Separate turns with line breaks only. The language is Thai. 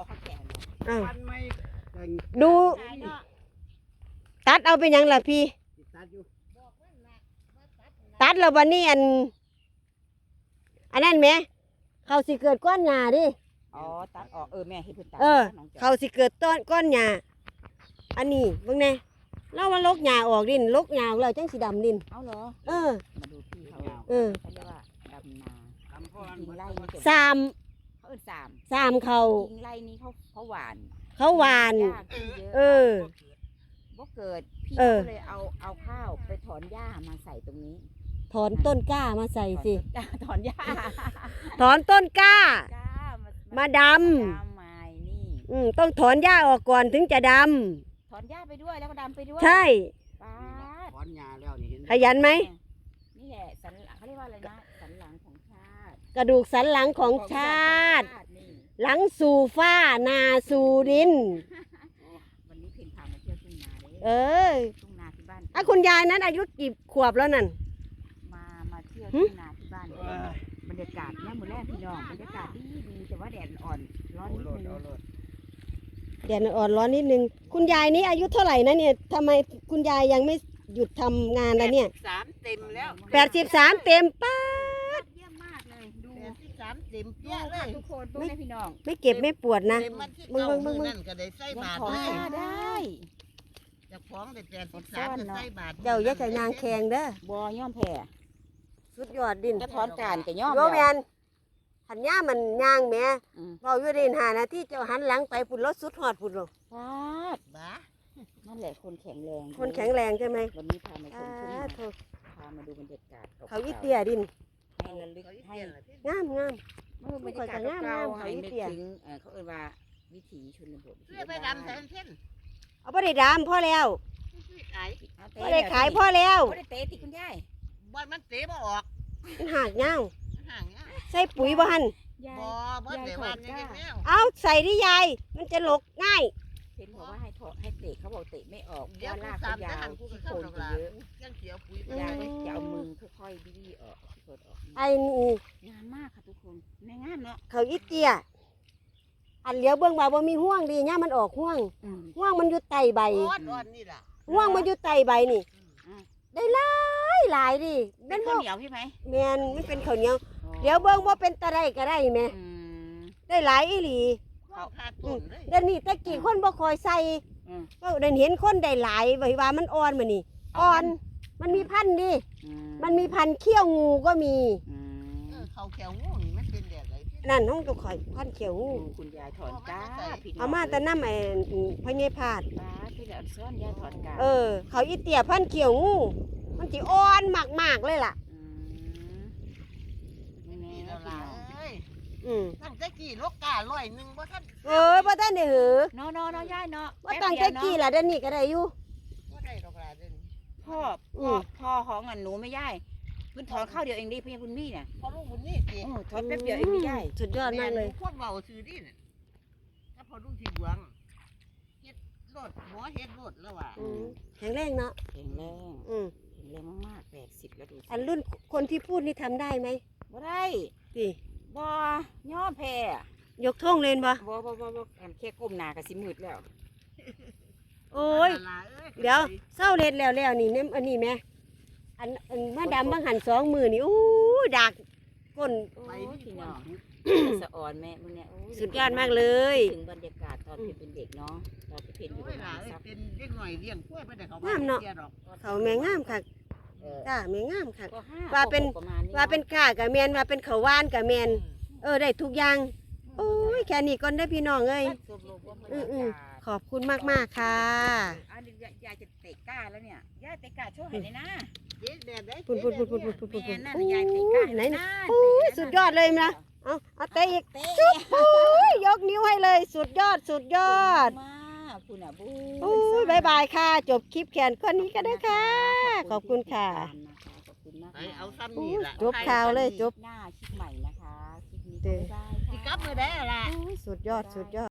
เขาแก่
อ้าว
ฟันไม่
ดูตัดเอาเป็นยังล่ะพี่
ตัดอยู่
ตัดแล้ววันนี้อันนั้นไหมเขาสิเกิดก้อนหญ้าดิ
อ๋อตัดออกแม่เห็นเพิ่นตัด
เขาสิเกิดต้นก้อนหญ้าอันนี้เบิ่งแน่เราว่าลกหญ้าออกดินลกหญ้าออกแล้วจังสิดำดิน
เอาเหรอ มาดูพี่เขา
เออ
เขาเรียกว่าดำนา
ทำพ่อ
ยิงไล่นี่
สาม
เขาสาม
เขา
ยิงไล่นี่เขาหวาน
เขาหวาน
หญ้าขึ้นเยอะ
เออ
บ่เกิดพี่
เออ
ก็เลยเอาข้าวไปถอนหญ้ามาใส่ตรงนี้
ถอนต้นกล้ามาใส่สิ
ถอนหญ้า
ถอนต้นกล้า
กล้ามา
มาด
ดำไม้นี่
ต้องถอนหญ้าออกก่อนถึงจะด
ถอนหญ้าไปด้วยแล้วก็ดำไปด้วย
ำใช่
ป๊าด
ถอนหญ้าแล้วนี่เห็น
ขยันไหม
นี่แหละสันหลังเขาเรียกว่าอะไรนะสันหลังของชาติ
กระดูกสันหลังของชาติ
นี่
หลังสู่ฟ้านาสู่ดิน
วันนี้เพ่งพามาเที่ยวทุ่งนาเลย
เออ
ทุ่งนาที่บ้าน
คุณยายนั้นอายุกี่ขวบแล้วนั่น
มาเที่ยว
หึ
ทุ่งนาที่บ้านบรรยากาศเนี่ยมื้อแรกพี่น้องบรรยากาศดีแต่ว่าแดดอ่อนร้อน
เอา
นิด
โลด
นึง
เอาโลด
แดดอ่อนร้อนนิดนึง คุณยายนี้อายุเท่าไหร่นะเนี่ยทำไมคุณยายยังไม่หยุดทำงานแล้วเนี่ย
3เต็มแล้ว
83เต็มป้า
เยี่ยมมากเลยดู
83เต็ม
ดู
เปี้ยเล
ค่ะ
ย
ทุกคนดูนะพี่น้อง
ไม่เก็บไม่ปวดนะ
เต็มมันที่
มึง
เก่า
มึ
มื
ง
อ
มึง
นั่นก็ได้ใส่
ยัง
บาท
ถอน
เล
ห
ย
ญ้าได้
เจะฟ้าของได้83
ซ่
ก็
อนเนาะ
ใส่บาท
เจ้าอย่าใส่ยางแข็งเด้อ
บ่ย่อมแผ่
สุดยอดดิน
จะถอนการก็ย่อม
โยแม
แล้ว
นหันย่ามันย่างแหม่
อืม
เราอยู่ดิน5 นาทีเจ้าหันหลังไปพุ่นรถสุดหอดพุ่นหรอก
ฟาด
บ้า
นั่นแหละคนแข็งแรง
คนแข็งแรงใช่ไหม
วันนี้พามาช
อ่าม
ทุ่งนา
โถ
พามาดูบรรยากาศ
เขาอีเตียดิน
ให้ระลึกให้
งามงาม
เมื่อบรรยากาศเก่าๆให้นึกถึงเขาเอ่ยว่าวิถีชนบท
เสื้อไปดำแทนเช่น
เอาบ่ได้ดำพ่อแล้ว
ซื้อขาย
บ่ได้ขายพ่อแล้ว
บ่ได้เตะติคุณยาย
บ่มันเตะบ่ออก
มันหักย่าง
มันห่างเงี้ย
ใส่ปุ๋ยบ่หัน
ยาย
บ่ได้ว่านี่แนว
เอาใส่ดิยาย มันจะหลกง่าย
เห็นบอกว่าให้ถอดให้เตะเขาบอกเตะไม่ออก
เดี๋ยว
ว่า
กู
ลาก
สา
ก็
มจะ
ยาว
หันกู
ที่
เข้า
โคน
ดอก
ก็
ลา
เยอะ
ยังเสียปุ๋ย
ยายก็จะเอามือค่อยๆบี้ออกที่โคนออก
ไอ้นี่
งามมากค่ะทุกคนในงามเนาะ
เขาอีเตีย อันเหลียวเบิ่งว่าบ่มีห่วงดีเนี่ยมันออกห่วง ห่วงมันอยู่ใต้ใบ
อ่อนนี่ล่ะ
ห่วงมันอยู่ใต้ใบนี่ ได้หลายหลายดิ
เป็
แม่
น
น
ข้า
บ่
วเหนียวพี่ไหม
แม่นมันเป็นข้าวเหนียวเดี๋ยวเบิ่งว่าเป็นตะไดก็ได้แม่
อืม
ได้หลายอีหลี
เขาขาดต้นเลย
เดี๋ยวนี้ตะกี้คนบ่คอยใส่
อืม
ก็ได้เห็นคนได้หลายไว้ว่ามันอ่อนมานี่อ่อน มันมีพันธุ์ดิ
อื
มันมีพันธุ์เขี้ยวงูก็มี
อืม
เขาแขวงูนี่มันเป็นแดดไหล
นั่นห้องตัวข่อยพันธุ์เขี้ยวงู
ดูคุณยายถอนก้าพี่น้ง
เอามาแต่น้ำไอ้พญพาด
ป้าที่เราซ่อนยายถอนก้า
เขาอีเตียพันธุ์เขี้ยวงูมันสิอ่อนมากๆเลยล่ะ
นี่
นี่
แน่
แล้ว
พี่
ล่ะ
น้อง
เอ้ย
อืม
ตั้งแต่กี่ลกกา101บ่ทัน
บ่ทันได้หือ
เนาะยายเนาะ
ว่าตั้งแต่กี้ล่ะเดี๋ยวนี้ก็ได้อยู่
บ่ได้ดอกลาเด้อ
พ่อ
อืม
พ่อของอันหนูไม่ย่ายเพิ่นถอนข้าวเดียวเองดิพี่คุณมี่เนี่ย
พอลูกบุญนี่สิ
ถอนแป๊บเดียวเองไม่ย่าย
สุดยอดมากเลย
คนเว้าซื่อดิน่ะถ้าพอลูกที่หลวงเฮ็ดรถหมอเฮ็ดรถแล้วว่ะ
แข็งแรงเนาะ
แข็งแรง
อืม
แข็งแรงมากๆ80แล้วดูสิ
อันรุ่นคนที่พูดนี่ทำได้ไหม
บ่ได้
สิ
บ่ย่อแพ้
ยกท่องเล่นบ่
บ่อันแค่ก้มหน้าก็สิมืดแล้ว
โอ้ย เดี๋ยวเศร้าเล่นแล้วนี่เนี่ยอันนี้แม่อันมาดำบางหัน2 มือนี่อู้ดักก้น
ไป
โอ้ย
ที่
พี่
น้
น้
อ
อง งสะอ่อนแม่มึงเนี่ยโอ้
สุดยอดมากเลย
ถึงบรรยากาศตอนเป็นเด็กเนาะตอนเป็นอยู่
โอ้
ป
ย
ระ
ห
มา
ลา
ณ
เอ้ย
สัก
เป็นเด็กหน่อยเลี้ยงกล้วยบ่ได้เขา
งามเนาะ
สียดอก
เขาแม่งามค่ะ
เออ
จ้าแม่งามค่ะ
ก็ห้
ว่าเป็น
ก็หกประมาณนี้
ว่าเป็นก้ากับแมนว่าเป็นเขาวหวานกับแมนได้ทุกอย่างโอ้ยแค่นี้ก่อนได้อพี่น้องเอ้ย
สรุปว่าบรร
อื
ยา
อ
กาศ
ขอบคุณมากๆค่ะ
อันนี้ยายจะเตะก้าแล้วเนี่ยยายเตะก้าโชว์ให้เลยนะ
เจ๊แดดได้
ปุ่นปุ่นปุ่นปุ่นปุ่นปุ่นปุ่น
แม่
ปุ่น
นั่น
โอ้
ยายเตะก้าย
ไหน
นะ
โอ้ยสุดยอดเลยนะเอาเตะอีก
เตะ
โอ้ยยกนิ้วให้เลย สุดยอดสุดยอด
มากคุณอ่ะบู
โอ้ยบายบายค่ะ จบคลิปแขนก้อนนี้ก็ได้ค่ะ ขอบคุณค่ะ
ขอบคุณมาก
ไปเอาซ้ำนี่ล่ะ
จบข่าวเลยจบ
หน้าคลิปใหม่นะคะคลิปนี้ก็บ๊ายบายค่ะ
สิกลับมือได้ล่ะ
สุดยอดสุดยอด